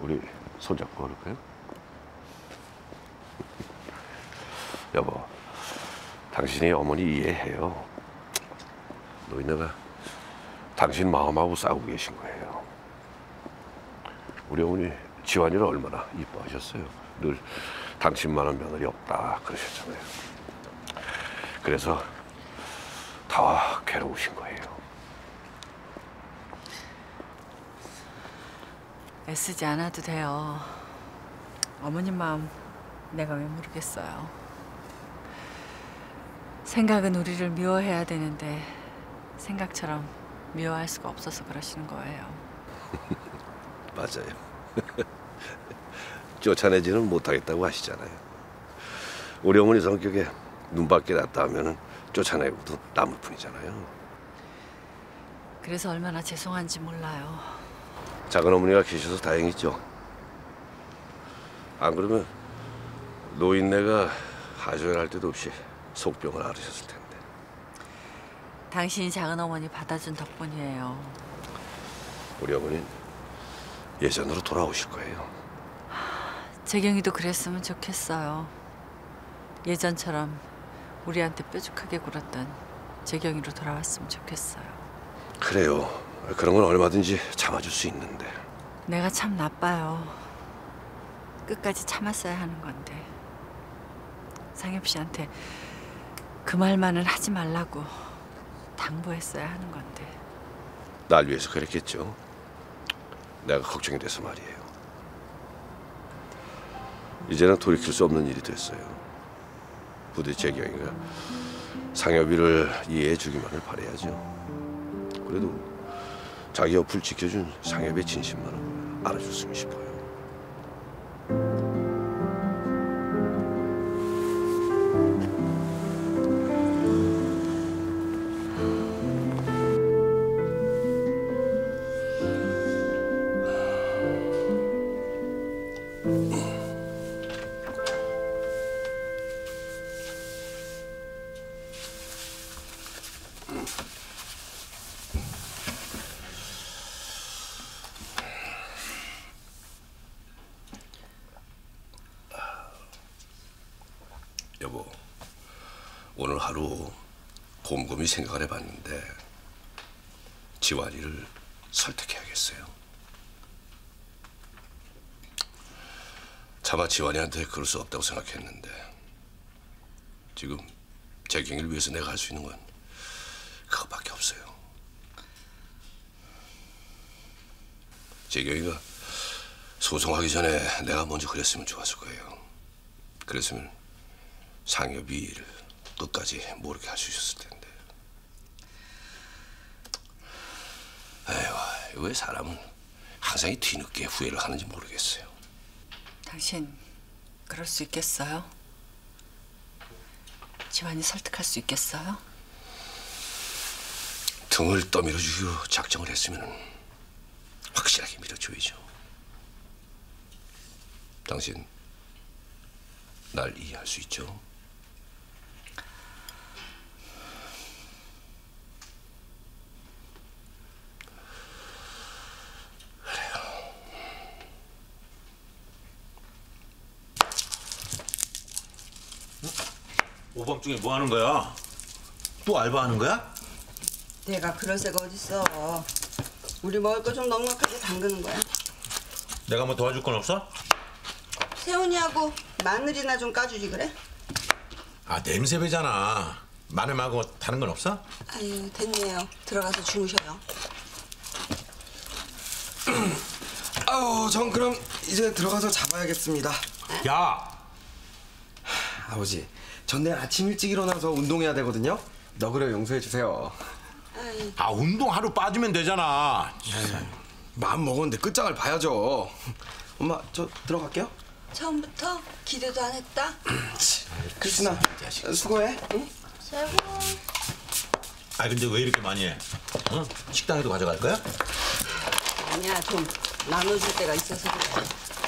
우리 손잡고 걸을까요? 여보, 당신이 어머니 이해해요. 노인네가 당신 마음하고 싸우고 계신 거예요. 우리 어머니 지환이를 얼마나 이뻐하셨어요. 늘 당신만한 며느리 없다 그러셨잖아요. 그래서 더 괴로우신 거예요. 애쓰지 않아도 돼요. 어머님 마음 내가 왜 모르겠어요. 생각은 우리를 미워해야 되는데 생각처럼 미워할 수가 없어서 그러시는 거예요. 맞아요. 쫓아내지는 못하겠다고 하시잖아요. 우리 어머니 성격에 눈밖에 났다 하면은 쫓아내고도 남을 뿐이잖아요. 그래서 얼마나 죄송한지 몰라요. 작은 어머니가 계셔서 다행이죠. 안 그러면 노인네가 하소연할 때도 없이 속병을 앓으셨을 텐데. 당신이 작은 어머니 받아준 덕분이에요. 우리 어머니는 예전으로 돌아오실 거예요. 재경이도 그랬으면 좋겠어요. 예전처럼 우리한테 뾰족하게 굴었던 재경이로 돌아왔으면 좋겠어요. 그래요. 그런 건 얼마든지 참아줄 수 있는데. 내가 참 나빠요. 끝까지 참았어야 하는 건데. 상엽 씨한테 그 말만은 하지 말라고 당부했어야 하는 건데. 날 위해서 그랬겠죠. 내가 걱정이 돼서 말이에요. 이제는 돌이킬 수 없는 일이 됐어요. 부디 재경이가 상엽이를 이해해 주기만을 바라야죠. 그래도 자기 옆을 지켜준 상엽의 진심만은 알아줬으면 싶어요. 여보, 오늘 하루 곰곰이 생각을 해봤는데 지환이를 설득해야겠어요. 차마 지환이한테 그럴 수 없다고 생각했는데 지금 재경이를 위해서 내가 할 수 있는 건 그것밖에 없어요. 재경이가 소송하기 전에 내가 먼저 그랬으면 좋았을 거예요. 그랬으면 상엽이 일을 끝까지 모르게 할 수 있었을 텐데. 에휴, 왜 사람은 항상 이 뒤늦게 후회를 하는지 모르겠어요. 당신 그럴 수 있겠어요? 지환이 설득할 수 있겠어요? 등을 떠밀어주기로 작정을 했으면 확실하게 밀어줘야죠. 당신 날 이해할 수 있죠? 오밤중에 뭐 하는 거야? 또 알바하는 거야? 내가 그럴 새가 어딨어. 우리 먹을 거 좀 넉넉하게 담그는 거야. 내가 뭐 도와줄 건 없어? 세훈이하고 마늘이나 좀 까주지 그래? 아, 냄새 배잖아. 마늘 말고 다른 건 없어? 아유 됐네요. 들어가서 주무셔요. 아우, 전 그럼 이제 들어가서 잡아야겠습니다. 야! 아버지, 전 내일 아침 일찍 일어나서 운동해야 되거든요. 너그러 용서해 주세요. 아, 운동 하루 빠지면 되잖아. 마음 먹었는데 끝장을 봐야죠. 엄마, 저 들어갈게요. 처음부터 기대도 안 했다. 크리스나, 수고해. 응? 세훈. 아, 근데 왜 이렇게 많이 해? 응? 식당에도 가져갈 거야? 아니야, 좀 나눠줄 때가 있어서 그래.